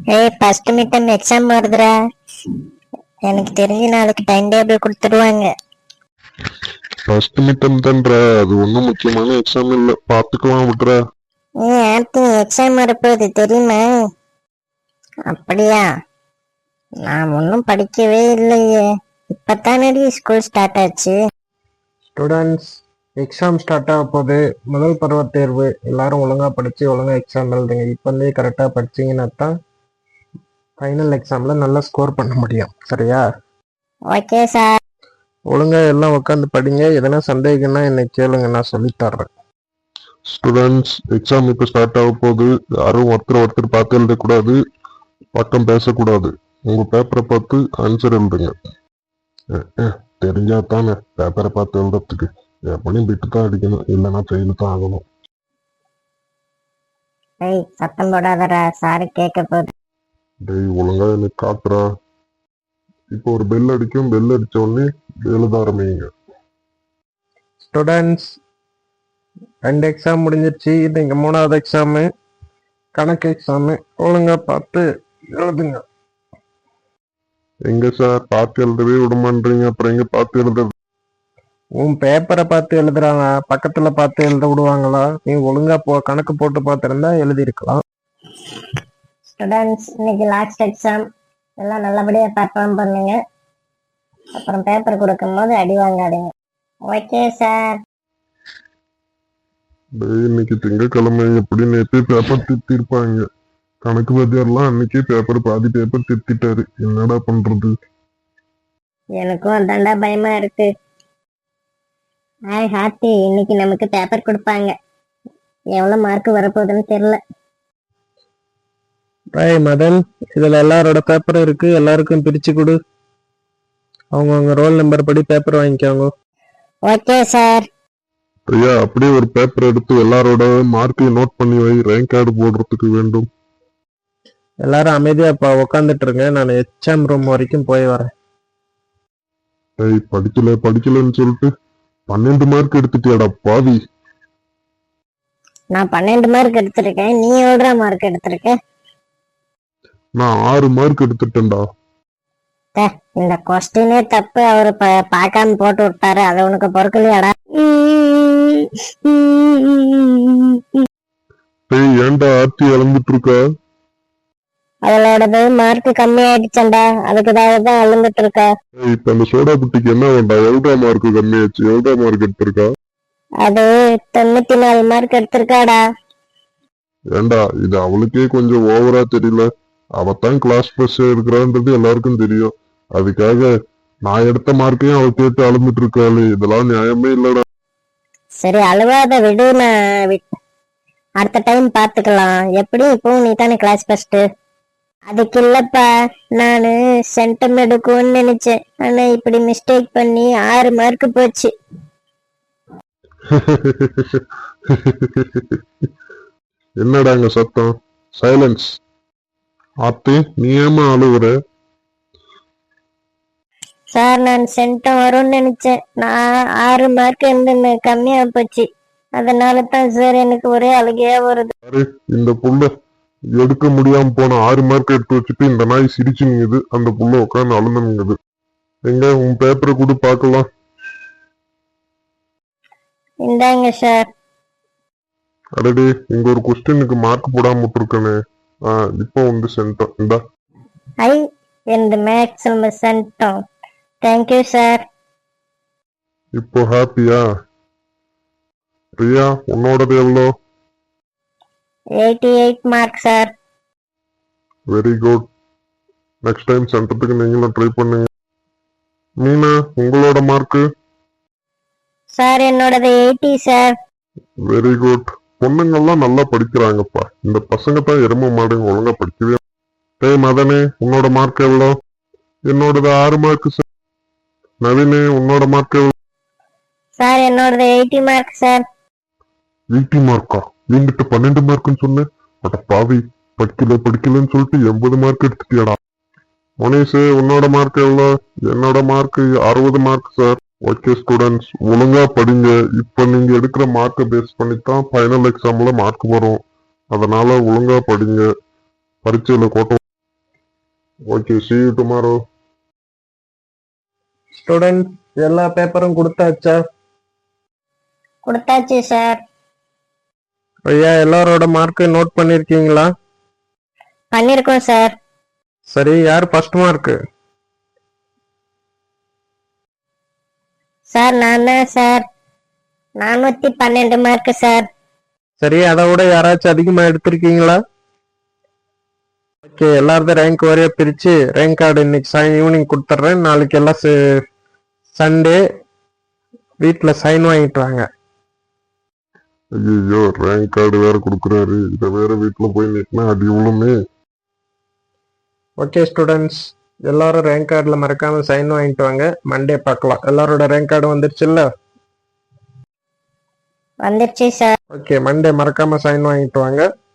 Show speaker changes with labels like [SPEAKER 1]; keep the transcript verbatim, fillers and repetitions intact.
[SPEAKER 1] ஏய் first mid time exam வருதுடா. எனக்கு தெரிஞ்சு நாளைக்கு டைம் டேபிள் கொடுத்துடுவாங்க.
[SPEAKER 2] ஃபர்ஸ்ட் மிட் டைம் தான்டா, அது ஒன்றும் முக்கியமான எக்ஸாம் இல்லை, பார்த்துக்கலாம் விட்றா.
[SPEAKER 1] ஏ ஆர்த்தி எக்ஸாம் வரப்போகுது தெரியுமா? அப்படியா? நான் ஒன்றும் படிக்கவே இல்லையே, இப்பத்தானடி ஸ்கூல் ஸ்டார்ட் ஆச்சு.
[SPEAKER 3] ஸ்டூடெண்ட்ஸ், எக்ஸாம் ஸ்டார்ட் ஆக போகுது. முதல் பருவ தேர்வு, எல்லாரும் ஒழுங்காக படித்து ஒழுங்காக எக்ஸாம் எழுதுங்க. இப்போந்தே கரெக்டாக படிச்சிங்கன்னா தான் ஃபைனல் எக்ஸாமில் நல்லா ஸ்கோர் பண்ண முடியும். சரியா?
[SPEAKER 1] Okay sir.
[SPEAKER 3] ஒழுங்காக எல்லாம் உட்காந்து படிங்க. எதனா சந்தேகம்னா என்னை கேளுங்க, நான் சொல்லித்தர்றேன்.
[SPEAKER 2] ஸ்டூடெண்ட்ஸ், எக்ஸாம் இப்போ ஸ்டார்ட் ஆக போகுது. யாரும் ஒருத்தர் ஒருத்தர் பார்த்து எழுதக்கூடாது, பக்கம் பேசக்கூடாது. உங்கள் பேப்பரை பார்த்து ஆன்சர் எழுதுங்க. தெரிஞ்சா தானே பேப்பரை பார்த்து எழுதுறதுக்கு. எப்படியும் பிட்டு தான் அடிக்கணும், இல்லைன்னா ஃபெயில் தான் ஆகணும்.
[SPEAKER 1] ஏய் சத்தம் போடாதடா, சாரு கேட்க போகுது.
[SPEAKER 2] டேய் ஒழுங்கா எனக்கு காட்டுறா. இப்போ ஒரு பெல் அடிக்கும், பெல் அடிச்ச உடனே எழுத ஆரம்பிங்க.
[SPEAKER 3] ஸ்டூடெண்ட்ஸ், ரெண்டு எக்ஸாம் முடிஞ்சிருச்சு. இது இங்கே மூணாவது எக்ஸாமு, கணக்கு எக்ஸாமு. ஒழுங்காக பார்த்து எழுதுங்க.
[SPEAKER 2] எங்க சார் பார்த்து எழுதவே விடமான்றீங்க, அப்புறம் எங்க பார்த்து எழுதுறது?
[SPEAKER 3] உன் பேப்பரை பார்த்து எழுதுறாங்க, பக்கத்துல பார்த்து எழுத விடுவாங்களா? நீ ஒழுங்கா போ கணக்கு போட்டு பார்த்துருந்தா எழுதியிருக்கலாம்.
[SPEAKER 1] ஸ்டூடெண்ட்ஸ், இன்னைக்கு லாஸ்ட் எக்ஸாம், எல்லாம் நல்லபடியாக பர்ஃபார்ம் பண்ணுங்க. அப்புறம் பேப்பர் கொடுக்கும் போது அடி வாங்காதீங்க. Okay sir.
[SPEAKER 2] இன்னைக்கு திங்கக்கிழமை, எப்படி நேற்று பேப்பர் திருத்திருப்பாங்க. கணக்கு வாத்தியார்லாம் அன்னைக்கே பேப்பர் பாதி பேப்பர் திருத்திட்டாரு. என்னடா பண்றது?
[SPEAKER 1] எனக்கும் அதாண்டா பயமா இருக்கு. ஹாய் ஹாத்தி, இன்னைக்கு நமக்கு பேப்பர் கொடுப்பாங்க. எவ்வளவு மார்க் வரப்போகுதுன்னு தெரியல.
[SPEAKER 3] ராய் மதன், இதுல எல்லாரோட பேப்பரும் இருக்கு, எல்லாருக்கும் பிரிச்சு கொடு. அவங்கவுங்க ரோல் நம்பர் படி பேப்பர் வாங்கிக்கோங்க.
[SPEAKER 1] Okay sir.
[SPEAKER 2] ஐயா, அப்படியே ஒரு பேப்பர் எடுத்து எல்லாரோட மார்க்கையும் நோட் பண்ணி வை, ரேங்க் கார்டு போடுறதுக்கு வேண்டும்.
[SPEAKER 3] எல்லாரும் அமைதியா இப்ப உக்காந்துட்டு இருங்க, நான் எக்ஸாம் ரூம் வரைக்கும் போய் வரேன்.
[SPEAKER 2] ஏய் படிக்கல படிக்கலன்னு சொல்லிட்டு பன்னெண்டு மார்க் எடுத்துட்டியாடா பாவி.
[SPEAKER 1] நான் பன்னெண்டு மார்க் எடுத்திருக்கேன், நீ எவ்வளோ மார்க் எடுத்திருக்க?
[SPEAKER 2] நான் ஆறு மார்க் எடுத்துட்டேன்டா.
[SPEAKER 1] இந்த கொஸ்டினே தப்பு, அவரு பார்க்காம போட்டு விட்டாரு, அது உனக்கு பொறுக்கலையாடா?
[SPEAKER 2] ஏய் ஏன்டா ஆர்த்தி இழந்துட்டு இருக்கா?
[SPEAKER 1] அவளோடது மார்க் கம்மி ஆயிடுச்சண்டா, அதுக்குதான் தான் அழுந்துட்டு இருக்கா.
[SPEAKER 2] இப்ப அந்த சோடா புட்டிக்கு என்ன வேண்டாம்? எவ்வளோ மார்க் கம்மியாச்சு? எவ்வளோ மார்க் எடுத்திருக்கா?
[SPEAKER 1] அது தொண்ணூத்தி நாலு மார்க் எடுத்திருக்காடா.
[SPEAKER 2] ஏண்டா இது அவளுக்கே கொஞ்சம் ஓவரா தெரியல? அவத்தான் கிளாஸ் ஃபர்ஸ்ட் இருக்கிறான்றது எல்லாருக்கும் தெரியும். அதுக்காக நான் எடுத்த மார்க்கையும் அவ கேட்டு அழுந்துட்டு இருக்காளு. இதெல்லாம் நியாயமே இல்லடா.
[SPEAKER 1] சரி அழுவாத விடு, நான் அடுத்த டைம் பாத்துக்கலாம். எப்படியும் இப்போ நீ தானே கிளாஸ் ஃபர்ஸ்ட். அதுக்கு இல்லப்பா, நானு சென்டம் எடுக்கும்னு நினைச்சேன், ஆனா இப்படி மிஸ்டேக் பண்ணி ஆறு மார்க் போச்சு.
[SPEAKER 2] என்னடாங்க சத்தம்? சைலன்ஸ். ஆத்தி, நீ ஏமா அழுகுற?
[SPEAKER 1] சார், நான் சென்டம் வரும்னு நினைச்சேன், நான் ஆறு மார்க் இருந்து கம்மியா போச்சு. அதனால தான் சார் எனக்கு ஒரே அழுகையா வருது.
[SPEAKER 2] இந்த புள்ள எடுக்க முடியாம போன ஆறு மார்க் எடுத்து வச்சுட்டு இந்த நாய் சிரிச்சுங்குது, அந்த புள்ள உட்காந்து அழுந்துங்குது. எங்க உன் பேப்பரை கூட பாக்கலாம்.
[SPEAKER 1] இந்தாங்க சார்.
[SPEAKER 2] அடடே, இங்க ஒரு கொஸ்டினுக்கு மார்க் போடாம விட்டுருக்கனே. ஆஹ் இப்போ வந்து சென்டம் இந்தா.
[SPEAKER 1] ஐ, இந்த மேக்ஸிமம் சென்டம். Thank you sir.
[SPEAKER 2] இப்போ ஹாப்பியா? பிரியா, உன்னோடது எவ்வளோ?
[SPEAKER 1] Eighty eight mark sir.
[SPEAKER 2] Very good. Next time சென்டத்துக்கு நீங்களும் ட்ரை பண்ணுங்க. மீனா, உங்களோட மார்க்கு?
[SPEAKER 1] சார், என்னோடது எயிட்டி சார்.
[SPEAKER 2] Very good. பொண்ணுங்கள்லாம் நல்லா படிக்கிறாங்கப்பா. இந்த பசங்க தான் எரும மாடுங்க, ஒழுங்கா படிக்கவே. டேய் மதனே, உன்னோட மார்க் எவ்வளோ? என்னோடது ஆறு மார்க் சார். நவீனே, உன்னோட மார்க் எவ்வளோ?
[SPEAKER 1] சார், என்னோடது எயிட்டி மார்க் சார்.
[SPEAKER 2] எயிட்டி மார்க்கா? என்கிட்ட பன்னெண்டு மார்க்குன்னு சொன்னேன். அட பாவி, படிக்கல படிக்கலன்னு சொல்லிட்டு எண்பது மார்க் எடுத்துட்டியாடா. மோனேஷ், உன்னோட மார்க் எவ்வளோ? என்னோட மார்க் அறுபது மார்க் சார். ஓகே ஸ்டூடெண்ட்ஸ், ஒழுங்கா படிங்க. இப்ப நீங்க எடுக்கிற மார்க்கை பேஸ் பண்ணித்தான் ஃபைனல் எக்ஸாம்ல மார்க் வரும். அதனால ஒழுங்கா படிங்க. பரீட்சையில கோட்டை okay, see you tomorrow.
[SPEAKER 3] Student எல்லா பேப்பரும் கொடுத்தாச்சா?
[SPEAKER 1] கொடுத்தாச்சு சார்.
[SPEAKER 3] ஐயா எல்லாரோட மார்க்கு நோட் பண்ணிருக்கீங்களா?
[SPEAKER 1] பண்ணிருக்கோம் சார்.
[SPEAKER 3] சரி, யார் ஃபர்ஸ்ட் மார்க்கு?
[SPEAKER 1] சார் நான் தான் சார். நானூத்தி பன்னெண்டு மார்க்கு சார்.
[SPEAKER 3] சரி, அதை விட யாராச்சும் அதிகமா எடுத்திருக்கீங்களா? ஓகே, எல்லாரும் ரேங்க் வரைய பிரிச்சு ரேங்க் கார்டு இன்னைக்கு சாய் ஈவினிங் கொடுத்துட்றேன். நாளைக்கு எல்லாம் சண்டே வீட்டுல சைன் வாங்கிட்டு வாங்க.
[SPEAKER 2] ஐயோ, ரேங்க் கார்டு வேற கொடுக்குறாரு, இதை வேற வீட்டுல போய் நிற்கினா அடி விழுமே.
[SPEAKER 3] ஓகே ஸ்டூடெண்ட்ஸ், எல்லாரும் ரேங்க் கார்டில் மறக்காம சைன் வாங்கிட்டு வாங்க. மண்டே பார்க்கலாம். எல்லாரோட ரேங்க் கார்டு வந்துருச்சுல்ல?
[SPEAKER 1] வந்துருச்சு சார்.
[SPEAKER 3] ஓகே, மண்டே மறக்காம சைன் வாங்கிட்டு வாங்க.